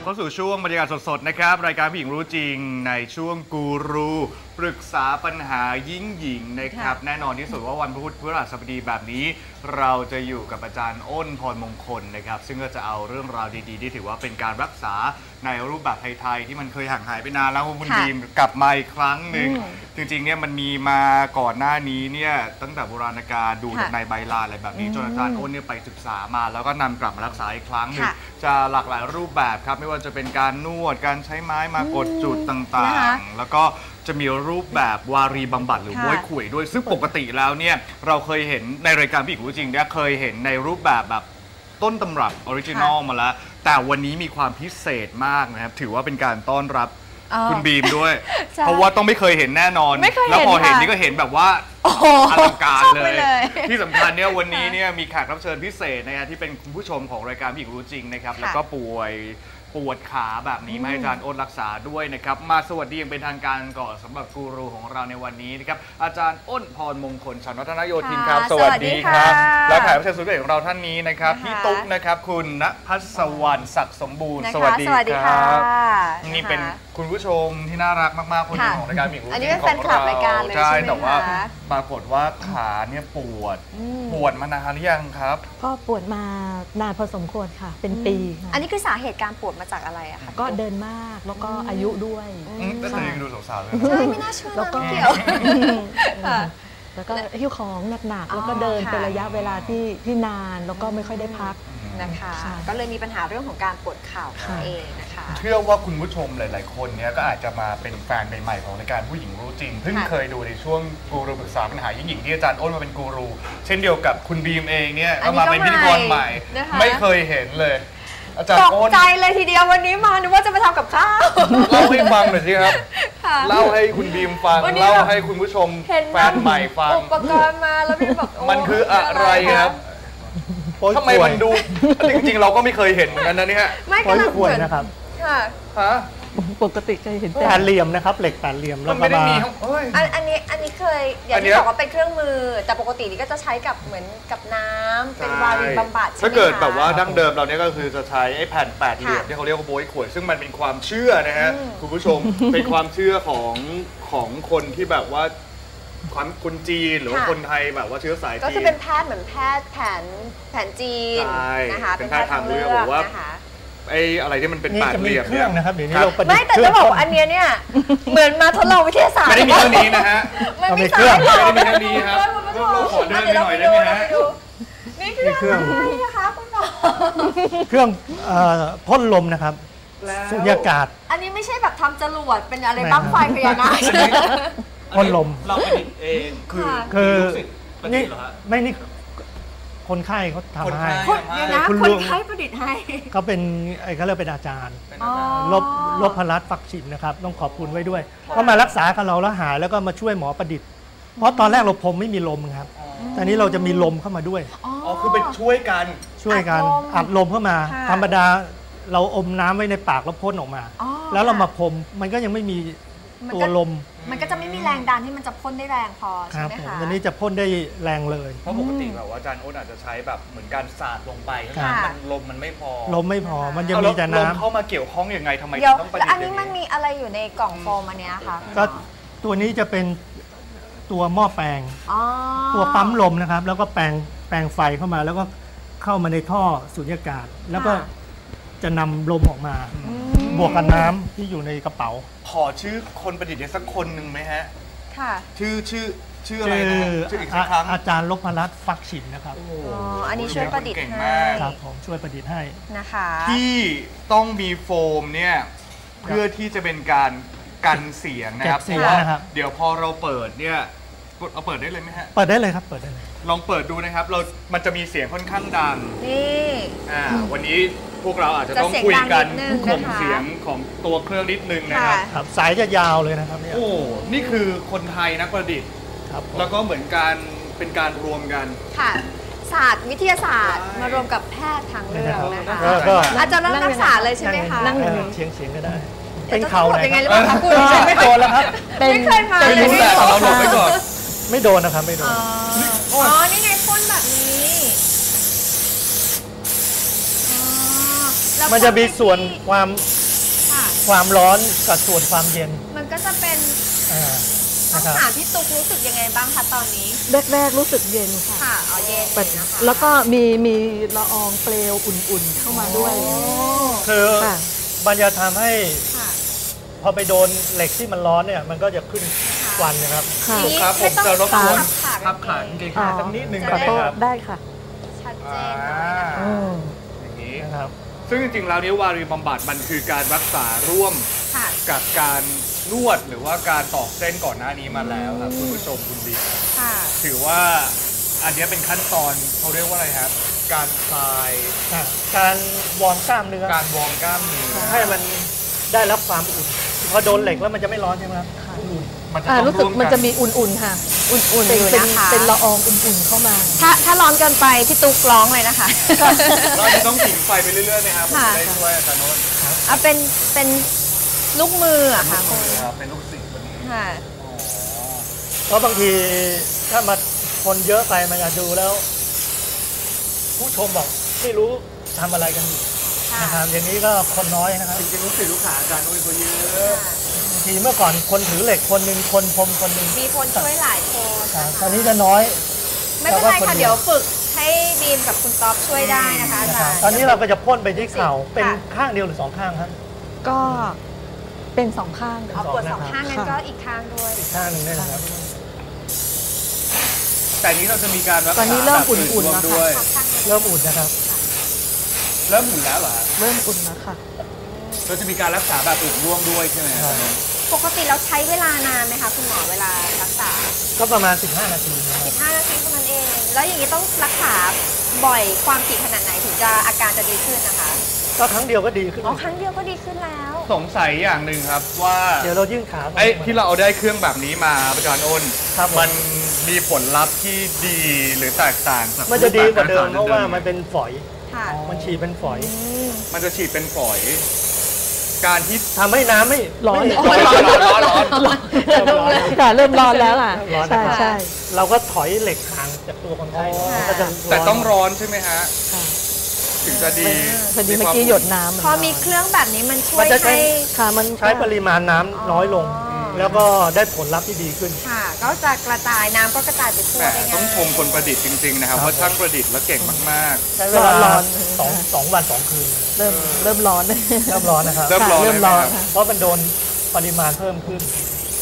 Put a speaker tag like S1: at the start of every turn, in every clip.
S1: เข้าสู่ช่วงบรรยากาศสดๆนะครับรายการผู้หญิงรู้จริงในช่วงกูรูปรึกษาปัญหายิ่งหญิงนะครับแน่นอนที่สุดว่าวันพุธพฤหัสบดีแบบนี้เราจะอยู่กับอาจารย์อ้นพรมงคลนะครับซึ่งก็จะเอาเรื่องราวดีๆที่ถือว่าเป็นการรักษาในรูปแบบไทยๆที่มันเคยห่างหายไปนานแล้วคุณบีมกลับมาอีกครั้งหนึ่งจริงๆเนี่ยมันมีมาก่อนหน้านี้เนี่ยตั้งแต่โบราณกาลดูจากในใบลานอะไรแบบนี้จนอาจารย์อ้นเนี่ยไปศึกษามาแล้วก็นำกลับมารักษาอีกครั้งหนึ่งจะหลากหลายรูปแบบครับไม่ว่าจะเป็นการนวดการใช้ไม้มากดจุดต่างๆแล้วก็จะมีรูปแบบวารีบำบัดหรือบ้วยขุ่ยด้วยซึ่งปกติแล้วเนี่ยเราเคยเห็นในรายการผู้หญิงรู้จริงเนี่ยเคยเห็นในรูปแบบต้นตำรับออริจินอลมาแล้วแต่วันนี้มีความพิเศษมากนะครับถือว่าเป็นการต้อนรับคุณบีมด้วยเพราะว่าต้องไม่เคยเห็นแน่นอนแล้วพอเห็นนี่ก็เห็นแบบว่าอลังการเลยที่สำคัญเนี่ยวันนี้เนี่ยมีแขกรับเชิญพิเศษนะครับที่เป็นคุณผู้ชมของรายการผู้หญิงรู้จริงนะครับแล้วก็ปวดขาแบบนี้มาให้อาจารย์อ้นรักษาด้วยนะครับมาสวัสดีอย่างเป็นทางการก่อนสำหรับกูรูของเราในวันนี้นะครับอาจารย์อ้นพรมงคลฉันวัฒนโยธินครับสวัสดีครับและแขกรับเชิญสุดพิเศษของเราท่านนี้นะครับพี่ตุ๊กนะครับคุณณภัสวรรณศักดิ์สมบูรณ์สวัสดีครับนี่เป็นคุณผู้ชมที่น่ารักมากๆคนหนึ่งของรายการผู้หญิงรู้จริงของเราอันนี้เป็นแฟนคลับรายการเลยใช่แต่ว่าปรากฏว่าขาเนี่ยปวดมานานหรือยังครับ
S2: ก็ปวดมานานพอสมควรค่ะเป็นปี
S3: อันนี้คือสาเหตุการปวดมาจากอะไรอะคะ
S2: ก็เดินมากแล้วก็อายุด้วย
S1: แต่ยังดูสาวๆเลย
S3: ใช่ไม่น่าเชื่อแล้วก็เกี่ยว
S2: แล้วก็หิ้วของหนักๆแล้วก็เดินเป็นระยะเวลาที่นานแล้วก็ไม่ค่อยได้พัก
S3: นะคะก็เลยมีปัญหาเรื่องของการปวดเข่าเองนะคะ
S1: เชื่อว่าคุณผู้ชมหลายๆคนเนี้ยก็อาจจะมาเป็นแฟนใหม่ๆของรายการผู้หญิงรู้จริงเพิ่งเคยดูในช่วงกูรูปรึกษาปัญหายิ่งหญิงที่อาจารย์อ้นมาเป็นกูรูเช่นเดียวกับคุณบีมเองเนี่ยก็มาเป็นพิธีกรใหม่ไม่เคยเห็นเลยอาจารย์อ้น
S3: ตกใจเลยทีเดียววันนี้มานึกว่าจะมาทำกับข้าว
S1: เล่าให้ฟังหน่อยสิครับเล่าให้คุณบีมฟังเล่าให้คุณผู้ชมแฟนใหม่ฟัง
S3: อุปกรณ์มาแล้วพี่แบบ
S1: มันคืออะไรครับทำไมมันดูจริงๆเราก็ไม่เคยเห็นเหมือนกันนะเนี่ย
S2: ไม่กำลังป่วยนะครับ
S1: ค่ะ
S2: ปกติเคยเห็นแผ่นเหลี่ยมนะครับเหล็กแผ่นเหลี่ยมแล้วก็มา
S3: อันนี้เคยอย่างที่บอกว่าเป็นเครื่องมือแต่ปกตินี่ก็จะใช้กับเหมือนกับน้ำเป็นวารีบำบัด
S1: ถ้าเกิดแบบว่าดั้งเดิมเราเนี่ยก็คือจะใช้ไอ้แผ่นแปดเหลี่ยมที่เขาเรียกว่าโบยขวดซึ่งมันเป็นความเชื่อนะฮะคุณผู้ชมเป็นความเชื่อของคนที่แบบว่าคนจีนหรือว่าคนไทยแบบว่าเชื้อสายจีน
S3: ก็คือเป็นแพทย์เหมือนแพทย์แผนจีนนะคะ
S1: เป็นแพทย์ทางเลือกบอกว่าไอ้อะไรที่มันเป็นแปดเหลี่ยม
S2: เนี่ยนะครับเดี๋ยวนี้เราประดิษฐ์
S3: ไม่แต่จะบอกอันเนี้ยเนี่ยเหมือนมาทดลองวิทยาศาสตร์
S1: ไม่ได้มีเท่านี้นะฮะ
S3: มันมีเครื่อง
S1: ไม่ได้มีเท่านี้ครับเราขอเดินไปหน่อยได้ไหมฮะ
S3: นี่คือเครื่องนะคะคุณหมอ
S2: เครื่องพ่นลมนะครับสุญญากาศ
S3: อันนี้ไม่ใช่แบบทำจรวดเป็นอะไรบ้างไฟพญานาค
S2: พ่นลม
S1: เราประดิษฐ์เองคือ
S2: นี่ไม่นี่คนไข้เขาทำให้
S3: คนไข้ประดิษฐ์ให้
S2: เขาเป็นเขาเรียกเป็นอาจารย์ลบพลัดฝักฉิมนะครับต้องขอบคุณไว้ด้วยเขามารักษากับเราแล้วหายแล้วก็มาช่วยหมอประดิษฐ์เพราะตอนแรกเราผมไม่มีลมครับตอนนี้เราจะมีลมเข้ามาด้วย
S1: อ๋อคือเป็นช่วยกัน
S2: อัดลมเข้ามาธรรมดาเราอมน้ำไว้ในปากแล้วพ่นออกมาแล้วเรามาพรมมันก็ยังไม่มีตัวลม
S3: มันก็จะไม่มีแรงดันที่มันจะพ่นได้แรงพอใช่ไหมคะ
S2: วันนี้จะพ่นได้แรงเลย
S1: เพราะปกติแบบว่าอาจารย์อ้นอาจจะใช้แบบเหมือนการสาดลงไปมันลมมันไม่พอ
S2: มันจะมีแต่น้
S1: ำเข้ามาเกี่ยวข้องยังไงทำไมต้องประดิษฐ์
S3: อันนี้มันมีอะไรอยู่ในกล่องโฟมอันนี้ค่ะ
S2: ก็ตัวนี้จะเป็นตัวหม้อแปลงตัวปั๊มลมนะครับแล้วก็แปลงไฟเข้ามาแล้วก็เข้ามาในท่อสุญญากาศแล้วก็จะนำลมออกมาบวกกับน้ำที่อยู่ในกระเป๋า
S1: ขอชื่อคนประดิษฐ์สักคนหนึ่งไหมฮะ
S3: ค่ะ
S1: ชื่ออะไรนะชื่ออีกสักครั้ง
S2: อาจารย์ลพรัตน์ฟักฉิมนะครับ
S3: อันนี้ช่วยประดิษฐ์ให้
S2: ครับผมช่วยประดิษฐ์ให้
S3: นะคะ
S1: ที่ต้องมีโฟมเนี่ยเพื่อที่จะเป็นการกันเสียงนะครับเพราะว่าเดี๋ยวพอเราเปิดเนี่ยเอาเปิดได้เลยไหมฮะ
S2: เปิดได้เลยครับเปิดได้เลย
S1: ลองเปิดดูนะครับมันจะมีเสียงค่อนข้างดัง
S3: นี่
S1: วันนี้พวกเราอาจจะต้องคุยกันข่มเสียงของตัวเครื่องนิดนึงนะครับ
S2: สายจะยาวเลยนะครับเนี่ย
S1: นี่คือคนไทยนักประดิษฐ์แล้วก็เหมือนการเป็นการรวมกัน
S3: ค่ะศาสตร์วิทยาศาสตร์มารวมกับแพทย์ทางเลือกนะคะอาจารย์ต้องรักษาเลยใช่ไหมคะ
S2: นั่งเฉียงก็ได้เป็นเข่า
S3: ยังไงหรือเปล่าคะคุณ
S2: ไม่โดนแล้วครับ
S3: ไม่เคยมา
S1: ไม่รู้แต่เราหลบไปก่อน
S2: ไม่โดนนะครับไม่โดน
S3: นี่ไงพ่นแบบนี้
S2: มันจะมีส่วนความ
S3: ค่ะ
S2: ความร้อนกับส่วนความเย็น
S3: มันก็จะเป็น
S2: อ่า
S3: ต้อง
S2: นะครับ
S3: ถามพี่ตุ๊กรู้สึกยังไงบ้างคะตอนนี้
S4: แรกๆรู้สึกเย็นค่ะ
S3: ค่ะเอาเย็นเลยนะคะ
S4: แล้วก็มีละอองเปลวอุ่นๆเข้ามาด้วย
S3: โอ้
S2: คือ
S4: ค่ะ
S2: มันจะทำให้
S3: ค่ะ
S2: พอไปโดนเหล็กที่มันร้อนเนี่ยมันก็จะขึ้นควันนะครับ
S4: ค่ะ
S3: นี่
S1: ครับผม
S3: ไม่ต้อง
S1: จะรบกวน
S3: พับขา
S1: พับ
S3: กางเก
S1: ขาง กางเกง
S4: อ๋อ
S1: สักนิดนึง
S4: ขอ
S1: ได้
S4: โท
S1: ไหม
S4: ษ
S1: ครับ
S4: ได้ค่ะ
S3: ชัดเจนเลยนะคะ
S4: อืม
S1: อย่างนี้
S2: นะครับ
S1: ซึ่งจริงๆแล้วนิ้ววารีบำบัดมันคือการรักษาร่วม
S3: ค่ะ
S1: กับการนวดหรือว่าการตอกเส้นก่อนหน้านี้มาแล้วครับคุณผู้ชมคุณบี
S3: ค่ะ
S1: ถือว่าอันนี้เป็นขั้นตอนเขาเรียกว่าอะไรครับ การคลาย
S2: การวอร์มกล้ามเนื้อ
S1: การวอร์มกล้ามเนื้อ
S2: ให้มันได้รับความอุ่นพอโดนเหล็กแล้วมันจะไม่ร้อนใช่ไหมครับอุ่น
S1: มันจะ
S4: อ่า
S1: ต้อง
S4: รู้สึก
S1: ร่วม
S4: มัน
S1: กัน
S4: จะมีอุ่นๆค่ะ
S3: อุ่นๆ
S4: เป็น
S3: อยู่
S4: เป็น
S3: นะคะ
S4: เป็นละอองอุ่นๆเข้ามา
S3: ถ้าร้อนเกินไปพี่ตุ๊กร้องเลยนะคะ
S1: เราจะต้องผิงไฟไปเรื่อยๆไหมครับผม
S3: ค่ะ
S1: จะได้ช่วยอาจารย์โนนท์
S3: เอาเป็นลูกมืออะค่ะคุณ
S1: ครับเป็นลูกศิษย์วันนี้
S3: ค่ะ
S2: เพราะบางทีถ้ามาคนเยอะไปมันอาจดูแล้ว ผู้ชมบอกไม่รู้ทำอะไรกันอยู่
S3: ค่ะ
S2: นะครับอย่างนี้ก็คนน้อยนะครับ
S1: จริงๆลูกศิษย์ลูกหาอาจารย์โนนท์เขาเยอะ
S2: บางทีเมื่อก่อนคนถือเหล็กคนหนึ่งคนพรมคนหนึ่ง
S3: มีคนช่วยหลายคน
S2: ครับ
S3: นะคะ
S2: ตอนนี้จะน้อย
S3: ไม่เป็นไร
S2: แต่ว่าคน
S3: ค่ะ
S2: เดียว
S3: เดี๋ยวฝึกให้บีมกับคุณต๊อบช่วยได้นะคะอา
S2: นะค
S3: จา
S2: รับ
S3: รย์
S2: ตอนนี้เราก็จะพ่นไปที่เข่าเป็น
S3: ค่ะ
S2: ข้างเดียวหรือสองข้างครับ
S4: ก็เป็นสองข้าง
S3: เอาปวดสองข้างงั้นก็อีกข้างด้วย
S2: อีกข้างหนึ่งได้นะครับ
S1: แต่อันนี้เราจะมีการรักษา
S4: ตอนนี้เริ่ม
S1: แบบ
S4: อุ่นๆ
S1: ร่วม
S4: แล้ว
S1: ด้วย
S4: ค่ะ
S3: ข้างหนึ่ง
S2: เริ่มอุ่นนะครับ
S1: เริ่มหมุนแล้วเหรอฮะ
S4: เริ่มอุ่นแล้วค่ะ
S1: เราจะมีการรักษาแบบอื่นร่วมด้วยใช่ไหมครับ
S3: ปกติเราใช้เวลานานไหมคะคุณหมอเวลารักษา
S2: ก็ประมาณ 15 นาทีนะครับ
S3: 15 นาทีเท่านั้นเอง แล้วอย่างนี้ต้องรักษาบ่อยความถี่ขนาดไหนถึงจะอาการจะดีขึ้นนะคะ
S2: ก็ครั้งเดียวก็ดีขึ้น
S3: อ๋อครั้งเดียวก็ดีขึ้นแล้ว
S1: สงสัยอย่างหนึ่งครับว่า
S2: เดี๋ยวเรายื่นขา
S1: ไอ้ที่เราเอาได้เครื่องแบบนี้มาอาจารย์อ้น
S2: ครับผม
S1: มันมีผลลัพธ์ที่ดีหรือแตกต่างจาก
S2: มันจะดีกว่าเดิม
S1: รูปแบบก
S2: เพราะว่า
S1: ไห
S2: มันเป็นฝอย
S3: ค่ะ
S2: มันฉีดเป็นฝอย
S1: มันจะฉีดเป็นฝอย การที่
S2: ทำให้น้ำไม่
S4: ร้อน
S2: ไม่
S1: ร้อนร้อนร้อนร้อน
S4: ค่ะเริ่มร้อนแล้วค่ะ
S2: ร้อน
S4: ใช่
S2: นะครับ
S4: ใช่
S2: เราก็ถอยเหล็กห่างจากตัวคนไข้
S1: อ๋อ
S2: มันก็จะ
S1: แต่ต้องร้อนใช่ไหมฮะ
S4: ค่ะ
S1: ถึงจะดี
S4: พอดีเมื่อกี้หยดน้ำ
S3: พอมีเครื่องแบบนี้มันช่วย
S2: มันจะใช้
S3: ให้
S4: ค่ะมัน
S2: ใช้ปริมาณน้ำน้อยลง
S3: อ๋อ
S2: แล้วก็ได้ผลลัพธ์ที่ดีขึ้น
S3: ค่ะ ก็จะกระจายน้ำก็กระจายไปทั่ว
S1: แหม
S3: ได้ง่าย
S1: ต้องชมคนประดิษฐ์จริงๆนะครับ
S2: ครับ
S1: ว่าช่างประดิษฐ์แล้วเก่งมาก
S2: ใช้เวลา
S4: ร้อน
S2: สองวันสองคืน
S4: เริ่มร้อน
S2: เริ่มร้อนนะครับ
S1: เริ่มร้อน
S4: เริ่ม
S1: เลยไหม
S4: ร้อน
S1: ครับ
S4: ค่ะ
S2: เพราะมันโดนปริมาณเพิ่มขึ้น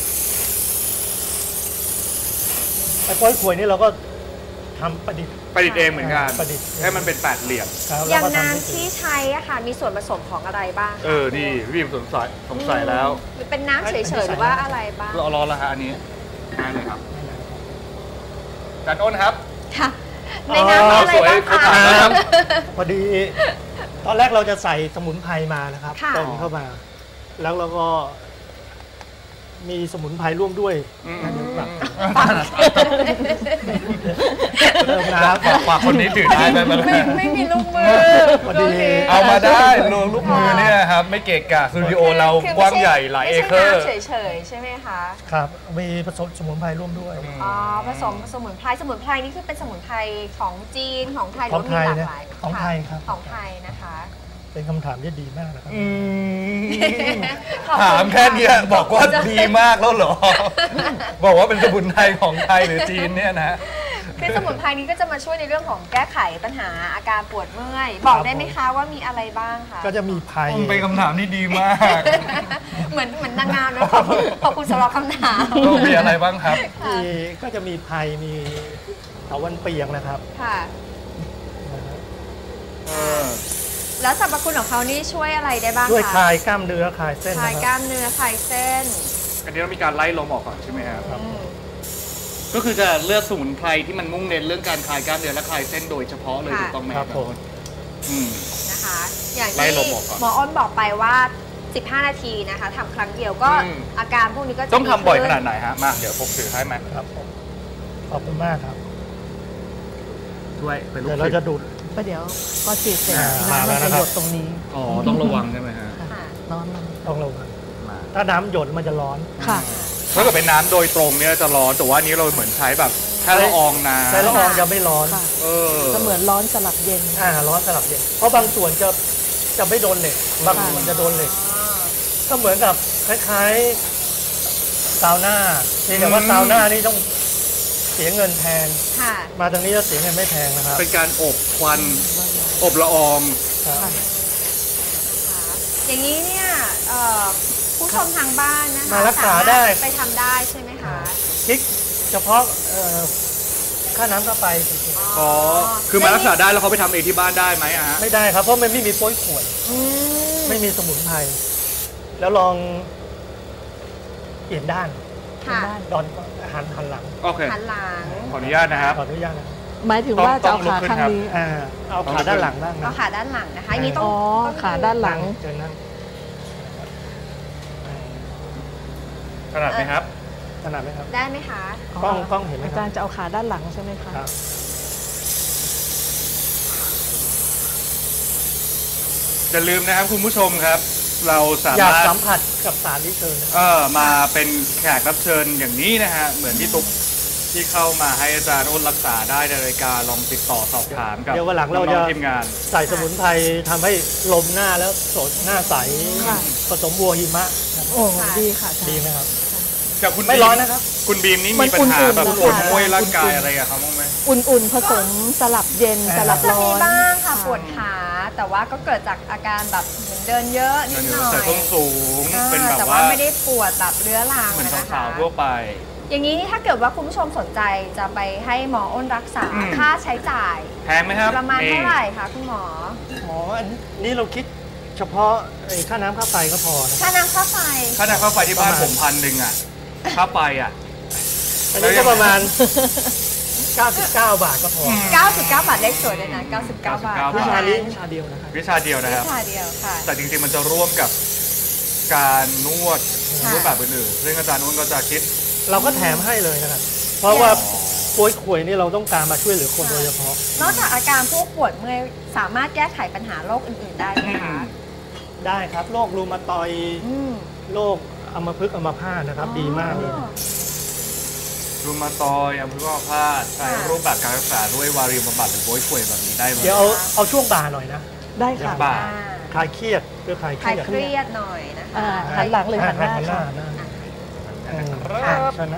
S2: ไอ้ก้อยขวยนี่เราก็ทำประดิษฐ์
S1: ประดิษฐ์เองเหมือนกัน
S2: ประดิษฐ์
S1: ให้มันเป็นแปดเหลี่ยม
S2: ครับ
S3: อย่าง
S2: แล้วก็ทำให้
S3: น้ำที่ใช้อะค่ะ มีส่วนผสมของอะไรบ้างคะ
S1: นี่พี่สงสัยแล้ว
S3: เป็นน้ำเฉยๆหรือว่าอะไรบ้าง
S1: เราร้อนแล้วฮะอันนี้ได้เลยครับอาจารย์อ้นครับ
S3: ค่ะ ในน้ำมีอะไรบ้าง
S1: สวย
S3: คะ
S1: ๆครับ
S2: พอดี ตอนแรกเราจะใส่สมุนไพรมานะครับ
S3: ค่ะ
S2: เติมเข้ามา แล้วเราก็มีสมุนไพรร่วมด้วย
S1: อืม
S2: นะเดี๋ยวแบบเติมน้ำ
S1: ฝากคนนี้ถือได้ไหม
S3: ไม่มีลูกมือ
S2: พอดี
S3: โเค
S1: เอามาได้ลูกมือเนี่ยครับ ไม่เกะกะสตูดิโอเรากว้างใหญ่หลายเอเคอร์
S3: ไม่ใช่น้ำเฉยๆใช่ไหมคะ
S2: ครับ มีผสมสมุนไพรร่วมด้วย
S3: อ๋อ ผสมสมุนไพร สมุนไพรนี่คือเป็นสมุนไพรของจีนของไทยห
S2: ข
S3: รือ อง ว่า
S2: ไท
S3: มี
S2: ย
S3: หลากหลาย
S2: นะของไทยครับ
S3: ของไทยนะคะ
S2: เป็นคำถามที่ดีมากนะครับ
S1: ถามแค่เนี้ยบอกว่าดีมากแล้วเหรอ บอกว่าเป็นสมุนไพรของไทยหรือจีนเนี่ยนะ
S3: คือสมุนไพรนี้ก็จะมาช่วยในเรื่องของแก้ไขปัญหาอาการปวดเมื่อย บอกได้ไหมคะว่ามีอะไรบ้างคะ
S2: ก็จะมีไพร
S1: เป็นคำถามที่ดีมาก
S3: เหมือนนางงามเลยขอบคุณสำหรับคำถาม
S1: มีอะไรบ้างครับ
S2: มีก็จะมีไพรมีเถาวัลย์เปียงนะครับ
S3: ค่ะ แล้วสรรพคุณของเขานี่ช่วยอะไรได้บ้างคะ
S2: ด้วยคลายกล้ามเนื้อคลายเส้น
S3: คลาย
S2: นะ
S3: ก
S2: ครั
S3: ล้า
S2: บ
S3: มเนื้อคลายเส้น
S1: อันนี้เรามีการไล่ลมออกก่อนใช่ไหมครับ
S2: ครับ
S3: อืม
S1: ก็คือจะเลือกสมุนไพรที่มันมุ่งเน้นเรื่องการคลายกล้ามเนื้อและคลายเส้นโดยเฉพาะเลยถูกต้องไหม
S2: ครับผม
S1: อืม
S3: นะคะ อย่าง
S1: ไล่
S3: ที่
S1: ลมออกก่อน
S3: หมออ้นบอกไปว่า 15 นาทีนะคะทำครั้งเดียวก็
S1: อืม
S3: อาการพวกนี้ก็จะ
S1: ต้องทำบ่อย
S3: ขึ้
S1: ขนาดไหนฮะ มาเดี๋ยวพกถือให้ไหม
S2: ครับผมขอบคุณมากครับ
S1: ช่วยเป็นลูก
S2: เดี๋ยวเรา
S1: ศิษ
S2: จะ
S1: ย์
S2: ดูด
S4: ก็เดี๋ยวพอฉีดเสร็จ
S2: มา
S4: น้ำมัน
S2: แล้ว
S4: จะ
S2: นะครับ
S4: หยดตรงนี้
S1: อ๋อ ต้องระวังใช่ไหมฮะ
S3: ค่ะ
S4: ร้อนมัน
S2: ต้องระวัง
S1: มา
S2: ถ้าน้ำหยดมันจะร้อน
S4: ค่ะ
S1: ถ้าเกิดเป็นน้ำโดยตรงเนี่ยจะร้อน แต่ว่าอันนี้เราเหมือนใช้แบบแค่ละอองน้ำ
S2: ใช้ละอองจะไม่ร้อน
S4: ค่ะ
S1: เออ
S4: ก็เหมือนร้อนสลับเย็น
S2: ร้อนสลับเย็นเพราะบางส่วนจะไม่โดนเหล็ก บางส่วนจะโดนเหล็ก
S3: อ๋อ
S2: ก็เหมือนกับคล้ายๆซาวน่าเพียงแต่ว่าซาวน่านี่ต้องเสียเงินแพง
S3: ค่ะ
S2: มาทางนี้จะเสียเงินไม่แพงนะครับ
S1: เป็นการอบควันอบละออง
S2: ครับ
S3: อย่างนี้เนี่ยผู้ชมทางบ้านนะคะ
S2: มารักษาได้
S3: สมรถไปทำได้ใช่ไหมคะ
S2: คิดเฉพาะค่าน้ำค่าไฟจริง
S1: อ๋อคือมารักษาได้แล้วเขาไปทำเองที่บ้านได้ไหมอะฮะ
S2: ๆไม่ได้ครับเพราะมันไม่มีโป้ยขวด
S3: อืม
S2: ไม่มีสมุนไพรแล้วลองเปลี่ยนด้าน
S3: ค่ะ
S2: ดอนหันหลัง
S1: โอเค
S3: หันหลัง
S1: ขออนุญาตนะครับ
S2: ขออนุญาตนะครับ
S4: หมายถึงว่าจะเอาขาข้างนี้
S2: เอาขาด้านหลังบ้าง
S3: ก็
S2: นะ
S3: ขาด้านหลังนะคะอันนี้ต้อง
S4: อ๋อ
S3: ต้อง
S4: ขาด้านหลัง
S2: เชิญนั่ง
S1: ขนาดไหมครับ
S2: ขนาดไหมครับ
S3: ได้ไหมคะ
S2: กล้องเห็นไหม
S4: อา
S2: ค
S4: จา
S2: รั
S4: ร
S2: บ
S4: ย์จะเอาขาด้านหลังใช่ไหมคะ
S2: ครับ
S1: อย่าลืมนะครับคุณผู้ชมครับ เราสา
S2: อยาก
S1: มารถ
S2: สัมผัสกับสารที่เชิญนะ
S1: มาเป็นแขกรับเชิญอย่างนี้นะฮะเหมือนพี่ตุ๊กที่เข้ามาให้อาจารย์อ้นรักษาได้ในรายการลองติดต่อสอบถามกับ
S2: เดี๋ยววันหลังเรา
S1: น้
S2: จะ
S1: องๆทีมงาน
S2: ใส่สมุนไพรทำให้ลมหน้าแล้วสดหน้าใส
S4: ค่ะ
S2: ผสมบัวหิมะนะครับ
S4: โอ้ดีค่ะอาจาร
S2: ดี
S4: ย์
S2: ไหมครับ
S1: กับคุณ
S2: ไม่ร้อนนะครับ
S1: คุณบีมนี่
S4: มั
S1: มี
S4: น
S1: ปัญหา
S4: อุ่นๆ
S1: แบบ
S4: นะคะ
S1: ปวดเมื่อยร่างกายอะไรกับเขาบ้างไหม
S4: อุ่นๆผสมสลับเย็นสลับ
S3: จะ
S4: ร้อ
S3: มี
S4: น
S3: บ้างค่ะปวดขาแต่ว่าก็เกิดจากอาการแบบเหมือนเดินเยอะนิดหน่อย
S1: ใส่ส้นสูงเป็นแบบ
S3: แต่
S1: ว่า
S3: ว่าไม่ได้ปวดแบบเรื้อรัง
S1: เหมือน
S3: นะคะ
S1: สาวๆทั่วไป
S3: อย่างนี้นี่ถ้าเกิดว่าคุณผู้ชมสนใจจะไปให้หมออ้นรักษา
S1: อืม
S3: ค่าใช้จ่าย
S1: แพงไหมครับ
S3: ประมาณเท่าไหร่คะคุณหมอ
S2: อ๋ออันนี้เราคิดเฉพาะไอ้ค่าน้ำค่าไฟก็พอนะ
S3: ค่าน้ำค่าไฟ
S1: ค่าน้ำค่าไฟที่บ้าน
S2: ประมาณ
S1: ผม1,000อ่ะค่าไฟอ่ะ
S2: อันนี้ก็ประมาณ 99 บาทก็พอ
S3: 99 บาทเลขสวยเลยนะ 99 บาท
S1: 99
S2: วิชา
S3: นี้
S2: นี้วิชาเดียวนะครับ
S1: วิชาเดียวนะครับ
S3: วิชาเดียวค่ะ
S1: แต่จริงๆมันจะร่วมกับการนวด
S3: ค่ะ
S1: รูปแบบอื่นๆซึ่งอาจารย์อ้นก็จะคิด
S2: เราก็แถมให้เลยนะครับ เพราะว่าป่วยข่วยนี่เราต้องการมาช่วยเหลือคนโดยเฉพาะ
S3: นอกจากอาการพวกปวดเมื่อยสามารถแก้ไขปัญหาโรคอื่นๆได้ไหมคะ
S2: ได้ครับโรครูมาตอยด์
S3: อืม
S2: โรคอัมพฤกษ์อัมพาตนะครับ ดีมากเลย
S3: อ๋อ
S1: รูมาตอยด์อัมพฤกษ์อัมพาตใช้
S3: ค่ะ
S1: รูปแบบการรักษาด้วยวารีบำบัดหรือโวยข่วยแบบนี้ได้ไหม
S2: เดี๋ยวเอาช่วงบ่าหน่อยนะ
S4: ได้ค่ะ
S1: บ่า
S2: คลายเครียดเพื่อคลายเค
S3: คลาย
S2: รียด
S3: เครียดหน่อยนะคะ
S4: หันหลังหรือหันหน้า
S2: หันหน้า
S4: ค่ะ
S2: หน้า
S3: ค่ะ
S2: ชนะ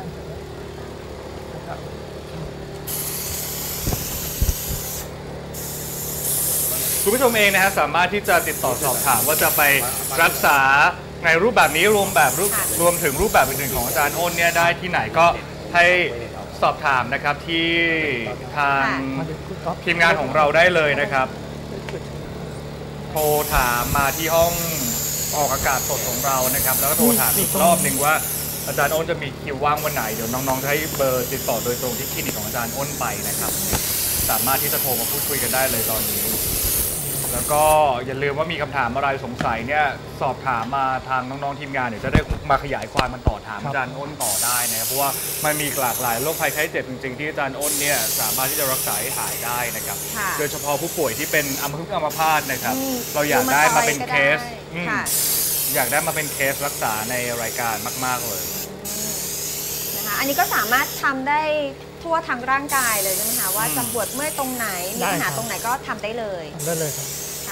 S1: คุณผู้ชมเองนะฮะสามารถที่จะติดต่อสอบถามว่าจะไปรักษาในรูปแบบนี้รวมถึงรูปแบบอื่นๆของอาจารย์อ้นเนี่ยได้ที่ไหนก็ให้สอบถามนะครับที่ทาง
S2: มาถึงคุณก๊อฟ
S1: ทีมงานของเราได้เลยนะครับ โทรถามมาที่ห้องออกอากาศสดของเรานะครับ แล้วก็โทรถามอีกรอบหนึ่งว่าอาจารย์อ้นจะมีคิวว่างวันไหนเดี๋ยวน้องๆจะให้เบอร์ติดต่อโดยตรงที่คลินิกของอาจารย์อ้นไปนะครับ สามารถที่จะโทรมาพูดคุยกันได้เลยตอนนี้ แล้วก็อย่าลืมว่ามีคำถามอะไรสงสัยเนี่ยสอบถามมาทางน้องๆทีมงานเดี๋ยวจะได้มาขยายความมันต่อถามอาจารย์อ้นต่อได้นะครับเพราะว่ามันมีหลากหลายโรคภัยไข้เจ็บจริงๆที่อาจารย์อ้นเนี่ยสามารถที่จะรักษาให้หายได้นะครับ
S3: ค่ะ
S1: โดยเฉพาะผู้ป่วยที่เป็นอัมพฤกษ์อัมพาตนะครับ
S3: อืม
S1: เราอยากได้มาเป็นเคส
S3: รูมาตอยด์ก็ได้ค่ะ
S1: อยากได้มาเป็นเคสรักษาในรายการมาก ๆเลย
S3: นะคะอันนี้ก็สามารถทำได้ทั่วทั้งร่างกายเลยใช่ไหมคะว่า
S1: อืม
S3: จะปวดเมื่อยตรงไหนมีปัญหาตรงไหนก็ทำได้เลย
S2: ทำได้เลยครับ
S3: ค่ะ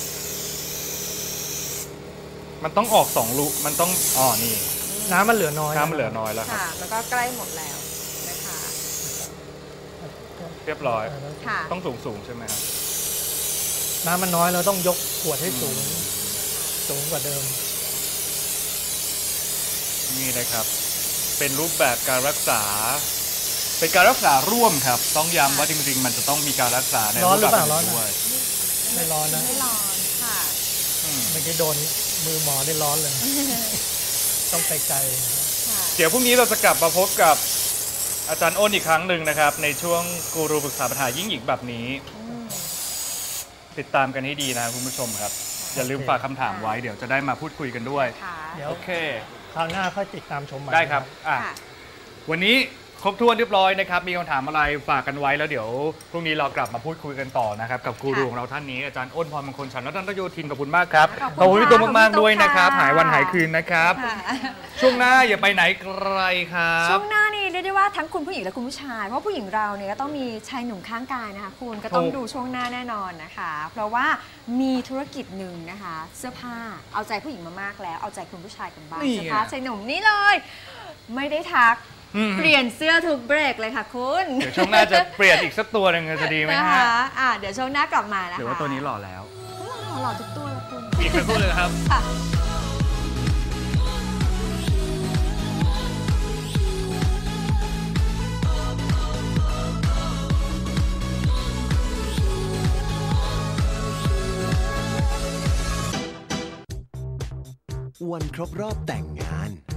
S1: มันต้องออก2รูมันต้องนี่
S2: น้ำมันเหลือน้อย
S1: น้ำมันเหลือน้อยแล้วครับ
S3: ค่ะ มันก็ใกล้หมดแล้วนะคะ
S1: เรียบร้อย
S3: ค่ะ
S1: ต้องสูงใช่ไหมครับ
S2: น้ำมันน้อยเราต้องยกขวดให้สูงกว่าเดิม
S1: นี่นะครับ เป็นรูปแบบการรักษา เป็นการรักษาร่วมครับ ต้องย้ำว่าจริงๆ มันจะต้องมีการรักษาใน
S2: ร้อนหรือเปล่า
S1: แบบ
S2: ร้อนไหม
S1: ด้วย
S2: ไม่ร้อนนะ
S3: ไม่ร้อนค่ะ
S1: อืม
S2: เมื่อกี้โดนมือหมอได้ร้อนเลย ต้องไกล
S3: ค่ะ
S1: เดี๋ยวพรุ่งนี้เราจะกลับมาพบกับอาจารย์อ้นอีกครั้งหนึ่งนะครับ ในช่วงกูรูปรึกษาปัญหายิ่งหญิงแบบนี้
S3: อืม
S1: ติดตามกันให้ดีนะคุณผู้ชมครับ อย่าลืมฝากคำถามไว้เดี๋ยวจะได้มาพูดคุยกันด้วย
S3: ค่ะ
S2: ๆเดี๋ยว
S1: โอเค
S2: คราวหน้าค่อยติดตามชมใหม่
S1: ได้ครับอ่ะ
S3: ค่ะ
S1: วันนี้ครบถ้วนเรียบร้อยนะครับมีคำถามอะไรฝากกันไว้แล้วเดี๋ยวพรุ่งนี้เรากลับมาพูดคุยกันต่อนะครับกับกูรูของเราท่านนี้อาจารย์อ้นพรมงคลฉันท์ รัตนโยธินขอบคุณมากครับขอบคุณพี่ตุ๊กมากๆด้วยนะครับหายวันหายคืนนะครับช่วงหน้าอย่าไปไหนไกลครับ
S3: ช่วงหน้านี่เรียกได้ว่าทั้งคุณผู้หญิงและคุณผู้ชายเพราะผู้หญิงเราเนี่ยก็ต้องมีชายหนุ่มข้างกายนะคะคุณก็ต้องดูช่วงหน้าแน่นอนนะคะเพราะว่ามีธุรกิจหนึ่งนะคะเสื้อผ้าเอาใจผู้หญิงมามากแล้วเอาใจคุณผู้ชายกันบ้างเสื้อผ้าชายหนุ่มนี่เลยไม่ได้ทักเปลี่ยนเสื้อทุกเบรกเลยค่ะคุณ
S1: เดี๋ยวช่วงหน้าจะเปลี่ยนอีกสักตัวหนึ่งจะดีไหมฮะ
S3: เดี๋ยวช่วงหน้ากลับมานะคะ
S1: เดี๋ยวว่าตัวนี้หล่อแล้ว
S3: หล่อทุกตัวแล้วคุณ
S1: อีกสักตัวเลยครับ
S5: วันครบรอบแต่งงาน